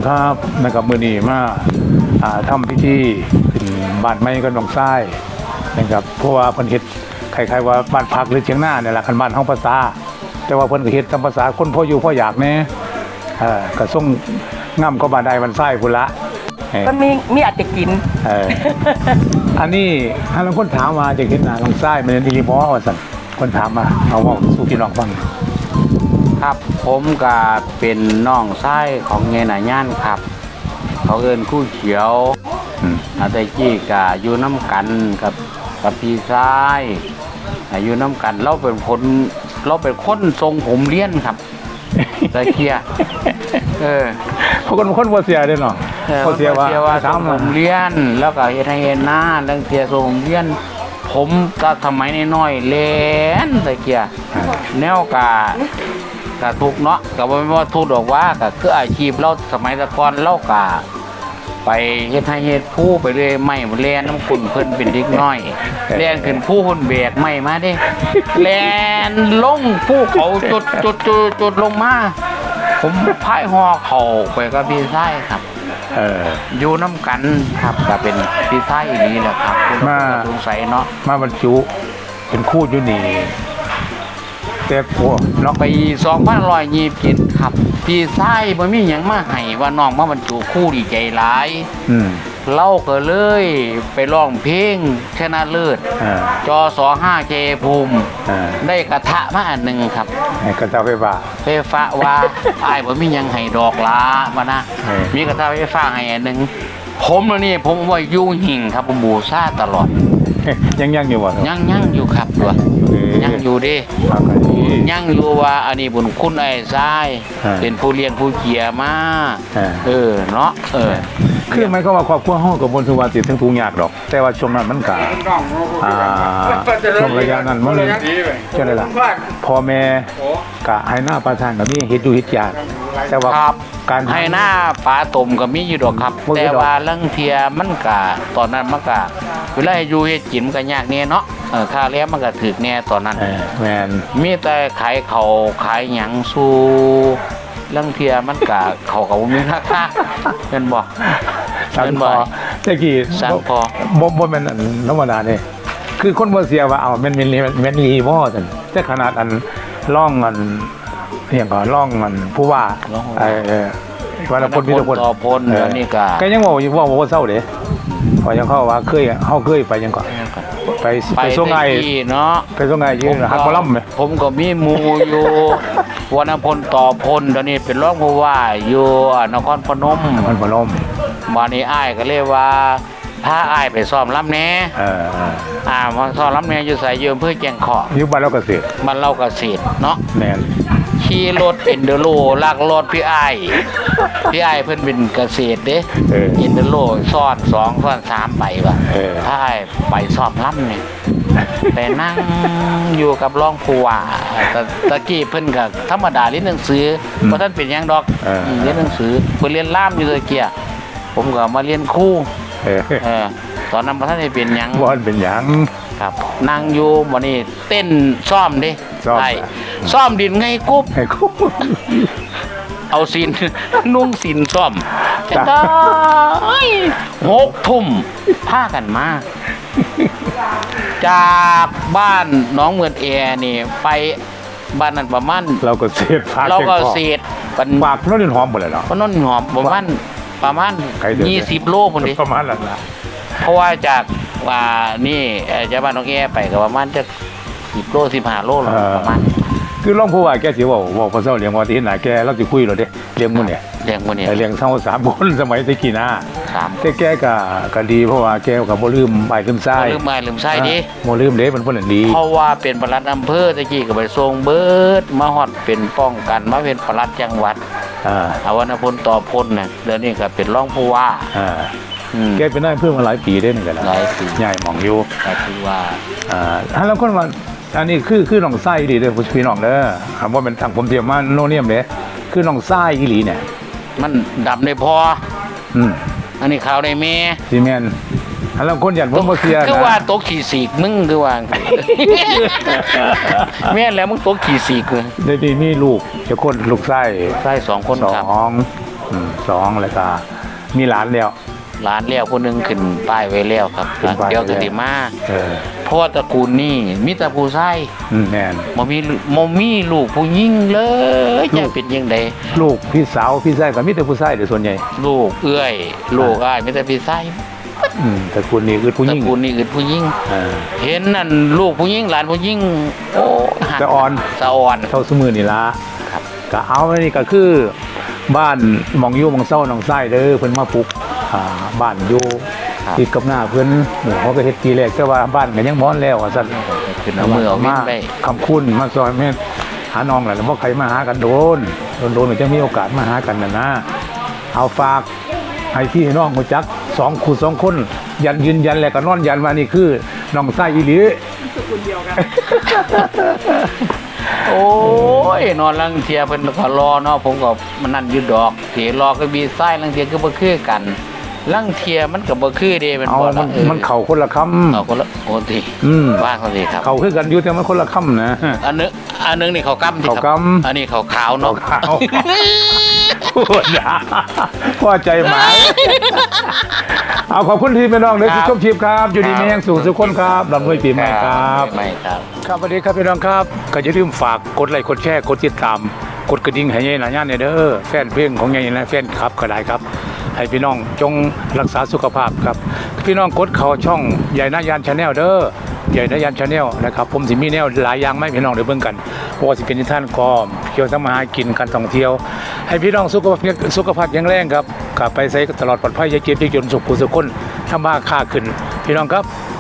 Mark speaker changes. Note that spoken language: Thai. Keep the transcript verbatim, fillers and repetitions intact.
Speaker 1: ครับนะครับมื้อนี้มาอ่าทำพิธีขึ้นบ้านใหม่กับน้องชายนะครับเพราะว่าเพิ่นเฮ็ดคล้ายๆว่าบ้านพักหรือเชียงนาเนี่ยแหละคันบ้านเฮาภาษาแต่ว่าเพิ่นก็เฮ็ดตามภาษาคนพออยู่พออยากแน่เอ่อก็ส่งง่ำก็บ้านใดบ้านซ้ายพุ่นละ
Speaker 2: มันมีมีอาจจะกิน
Speaker 1: เอออันนี้ถ้าเราคนถามมาจะเห็นหน้าน้องชายมันอีหลีบ่ว่าซั่นคนถามมาเอาเว้าสู่พี่น้องฟัง
Speaker 3: ครับผมก็เป็นน้องชายของเงยหน่าย่านครับเขาเอิ้นคู่เขียวอาตกี้ก็อยู่น้ำกันกับกับพี่ชายอยู่น้ำกันเราเป็นคนเราเป็นคนทรงผมเลี้ยนครับตะเกียเออ
Speaker 1: พวกคนคนบ่เสียเด้เนาะบ่เสียว่า
Speaker 3: ทรงผมเลี้ยนแล้วก็เฮ็ดให้เห็นหน้าเรื่องเสียทรงผมเลี้ยนผมก็สมัยน้อยๆเล่นตะเกียแนวกะกะทุกเนาะก็บ่แม่นว่าทุกดอกว่าก็คืออาชีพเราสมัยตะก่อนเรากะไปเฮ็ดให้เฮ็ดผู้ไปเรื่อยไม้แล่นน้ำกุ่นเพิ่นเป็นเด็กน้อยแล่นขึ้นผู้เพิ่นแบกไม้มาเด้แล่นลงผู้เขาจุดจุดจุดจุดลงมาผมพายหอเขาไปกับพี่ชายครับ
Speaker 1: เออ
Speaker 3: อยู่น้ำกันครับก็เป็นพี่ชายอีนี้แหละครับ
Speaker 1: มา
Speaker 3: สงสัยเนาะ
Speaker 1: มาบรรจุเป็นคู่อยู่นี่แต่พวก
Speaker 3: เนาะไปสองพันร้อยยี่สิบเจ็ดครับพี่ชายบ่มีหยังมาให้ว่าน้องมาบรรจุคู่ดีใจหลาย
Speaker 1: อืม
Speaker 3: เล่าก็เลยไปร้องเพลงชนะเลิศจอสอห้าเจภูมิได้กระทะมาอันหนึ่งครับ
Speaker 1: กระทะไฟฟ้า
Speaker 3: ไฟฟ้าว่าไอ้บ่มียังให้ดอกล้ามานะมีกระทะไฟฟ้าให้อันหนึ่งผมแล้วนี่ผมว่ายุ่งหิ่งครับผมบูชาตลอด
Speaker 1: ยังยังอยู่บ่
Speaker 3: ยังยังอยู่ครับตัวยังอยู่ดิยังอยู่ว่าอันนี้บุญคุณไอ้ทรายเป็นผู้เลี้ยงผู้เกียมาเออเนาะเออ
Speaker 1: คือไม่ก็ว่าครอบครัวห้องกับบนทุวาติดทั้งทุกยากดอกแต่ว่าช่วงนั้นมันกะอ่าช่วงระยะนั้นมันจะได้ละพ่อแม่กะให้หน้าประทานกับนี่เฮ็ดดูเฮ็ดยากแต่ว่า
Speaker 3: การให้หน้าปลาต้มก็มีอยู่ดอกครับแต่ว่าเรื่องเทียมันกะตอนนั้นมันกะเวลาอยู่เฮ็ดกินมันก็ยากแน่เนาะเออค่าแล้วมันก็ถึกแน่ตอนนั้น
Speaker 1: แม่น
Speaker 3: มีแต่ขายเขาขายหยังสู้เรื่องเทียมันกะเขาก็บ่มีราคาเห็นบ่
Speaker 1: เห็นบ่ตะกี้
Speaker 3: สั่งพอ
Speaker 1: บ่บ่แม่นธรรมดาเด้คือคนบ่เสียว่าเอาแม่นแม่นแม่นอีบ่ซั่นแต่ขนาดอันร่องอันเฮียงก็ร่องอันผู้ว่าไอ้ว่าละคนมีทุกคน
Speaker 3: ต่อพลอันนี้ก็
Speaker 1: ก็ยังเว้าอยู่ว่าบ่เศร้าเด้พอยังเข้าว่าเคยเฮาเคยไปยังก็ไปไปส่งไง
Speaker 3: เนาะ
Speaker 1: ไปส่งไงยืนฮักบ่ล่ำมั้ย
Speaker 3: ผมก็มีหมู่อยู่วรรณพลต่อพลตอนนี้เป็นรองผู้ว่าอยู่นครพนม
Speaker 1: นครพนม
Speaker 3: มานี่อ้ายก็เรียกว่าพาอ้ายไปซ้อมลำแหน่
Speaker 1: เออ
Speaker 3: อ่ามาซ้อมลำแหน่อยู่ไสอยู่อำเภอแก่งขอ
Speaker 1: อยู่บ้านเราเกษตร
Speaker 3: บ้านเราเกษตรเนาะ
Speaker 1: แม่น
Speaker 3: ขี่รถเอ็นเดโรลากรถพี่อ้ายพี่อ้ายเพิ่นเป็นเกษตรเด้เออเอ็นเดโรซ้อนสองซ้อนสามไปว่ะเออพาอ้ายไปซ้อมลำนี่ไปนั่งอยู่กับรองผู้ว่าตะตะกี้เพิ่นก็ธรรมดาเรียนหนังสือบ่ทันเป็นหยังดอกเรียนหนังสือเพิ่นเรียนล่ามอยู่ตะเกียผมก็มาเรียนครูเออตอนนั้นบ่ทันได้เป็นหยัง
Speaker 1: บ่ทันเป็นหยัง
Speaker 3: ครับนั่งอยู่มื้อนี้เต้นซ้อมเด้ใช่ซ้อมดินไงกุ๊บ
Speaker 1: ให้กุ๊บ
Speaker 3: เอาศีลนุ่งศีลซ้อมจังได๋หกทุ่มพากันมาจากบ้านหนองเมืองแอนี่ไปบ้านนั้นประมาณ
Speaker 1: เราก็เศษพา
Speaker 3: เราก็เศษ
Speaker 1: เป็นปากพนนหอมบ่เลยเนาะ
Speaker 3: พนนหอมประมาณประมาณยี่สิบโลพุ่นดิ
Speaker 1: ประมาณนั้นล่ะ
Speaker 3: เพราะว่าจากว่านี่จากบ้านหนองแอไปก็ประมาณจะสิบโลสิบห้าโลประมาณ
Speaker 1: คือรองผู้ว่าแกสิเว้าเว้าภาษาเลี้ยงว่าที่หน้าแกเราสิคุยแล้วเด้เลี้ยงมื้อเนี่ย
Speaker 3: เลี้ยงมื้อเนี่ย
Speaker 1: เลี้ยงเฮาสามคนสมัยตะกี้นะแต่แกก็ก็ดีเพราะว่าแกก็บ่ลืมอ้ายลืมชาย
Speaker 3: บ่ลืมอ้ายลืมชายดิ
Speaker 1: บ่ลืมเด้มันเพิ่นดี
Speaker 3: เพราะว่าเป็นปลัดอำเภอตะกี้ก็ไปส่งเบิดมาฮอดเป็นป้องกันมาเป็นปลัดจังหวัดอ่าอวรรณพลต่อพลน่ะเดี๋ยวนี้ก็เป็นรองผู้ว่า
Speaker 1: อ่าแกเป็นนายอำเภอมาหลายปีเด้นี่ก็แล้ว
Speaker 3: หลายปี
Speaker 1: ใหญ่หม่องอยู่
Speaker 3: ก็คือว่า
Speaker 1: อ่าถ้าแล้วคนว่าอันนี้คือคือน้องไส้ดีเด้อพี่น้องเด้อคำว่าเป็นทางผมเตรียมมาโนเนียมเด้คือน้องไส้อีหลีเนี่ย
Speaker 3: มันดำได้พอ
Speaker 1: อืม
Speaker 3: อันนี้ขาวได้แม่
Speaker 1: สิแม่นอันแล้วคนยันผมบ่เสีย
Speaker 3: คือว่าตกขี้สีกมึงคือว่าแม่แล้วมึงตกขี้สีก
Speaker 1: ได้ดีมีลูกจะคนลูกไส้
Speaker 3: ไส้สองคน
Speaker 1: ครับสองคอืมสองแล้วก็มีหลานแล้ว
Speaker 3: หลานแล้วคนหนึงขึ้นป้ายไว้แล้วครับ
Speaker 1: ขึ้นป้ายไว้
Speaker 3: เดี๋ยวก็สิมา
Speaker 1: เออ
Speaker 3: เพราะว่าตระกูลนี่มีแต่ผู้ชาย
Speaker 1: อืมแน่น
Speaker 3: บ่มีบ่มีลูกผู้หญิงเลยจะเป็นยังไง
Speaker 1: ลูกพี่สาวพี่ชายก็มีแต่ผู้ชายเดี๋ยวส่วนใหญ่
Speaker 3: ลูกเอื้อย ลูกอ้ายมีแต่พี่ชาย
Speaker 1: อืมแต่คุณนี่คือผู้ห
Speaker 3: ตระ
Speaker 1: ญิง
Speaker 3: กูลนี่อื่นผู้หญิง
Speaker 1: เออ
Speaker 3: เห็นนั่นลูกผู้หญิงหลานผู้หญิงโอ้หัก
Speaker 1: สะอ่อน
Speaker 3: สะอ่อน
Speaker 1: เท่าสมือนี่ละ
Speaker 3: ครับ
Speaker 1: ก็เอาอันนี้ก็คือบ้านหมองอยู่หมองเศร้าหนองไส้เด้อเพิ่นมาปลูกอ่าบ้านอยู่ติดกับหน้าเพิ่นหมู่เขาก็เฮ็ดปีแรกแต่ว่าบ้านก็ยังม้อนแล้วว่าซั่น
Speaker 3: ขึ้นเอามือเอาวิ่งไป
Speaker 1: คำคุณมาซอยแม่หาน้องแหละแล้วบ่ใครมาหากันโดนโดนโดนๆจะมีโอกาสมาหากันน่ะนะเอาฝากให้พี่น้องรู้จักสองคู่สองคนยันยืนยันแล้วก็นอนยันว่านี่คือน้องไส้อีหลี
Speaker 3: โอ้ยนอนลังเทียเพิ่นก็รอเนาะผมก็มันนั่นอยู่ดอกเถียรอก็มีไส้ลังเทียก็บ่คือกันลังเทียมันก็บ่คือเด้มัน
Speaker 1: เอา
Speaker 3: บ่
Speaker 1: มั
Speaker 3: ละ
Speaker 1: น
Speaker 3: เออ
Speaker 1: มันเข่าคนละคำ
Speaker 3: เอาคนละโอ้ที
Speaker 1: อืม
Speaker 3: ว่าเขาสิครับ
Speaker 1: เข่าคือกันอยู่แต่มันคนละคำนะ
Speaker 3: อันนึงอันนึงนี่เขากำสิครับ
Speaker 1: เขากำ
Speaker 3: อันนี้เขาขาวเนาะ
Speaker 1: ขาวพูดนะพ่อใจหมาเอาขอบคุณที่พี่น้องเลยทุกชมชีพครับ อยู่ดีมีแห่งสูงสุขคนครับลำด้วยปีใหม่ครับ
Speaker 3: ไม่ครับ
Speaker 1: ครับสวัสดีครับพี่น้องครับก็อย่าลืมฝากกดไลค์กดแชร์กดติดตามกดกระดิ่งให้ยายหลานย่านเนี่ยเด้อแฟนเพลงของยายและแฟนคลับก็ได้ครับ ให้พี่น้องจงรักษาสุขภาพครับพี่น้องกดเข้าช่องยายหน้ายานชาแนลเด้อยายหน้ายานชาแนลนะครับผมสิมีแนวหลายอย่างไม่พี่น้องเดี๋ยวเบิ่งกันเพราะว่าสิเป็นนิทานกอมเกี่ยวกับมาหากินการท่องเที่ยว ให้พี่น้องสุขภาพสุขภาพแข็งแรงครับกลับไปใส่ตลอดปลอดภัยอย่าเจ็บอย่าจนสุขผู้สุขคนทำมาค้าขึ้นพี่น้องครับ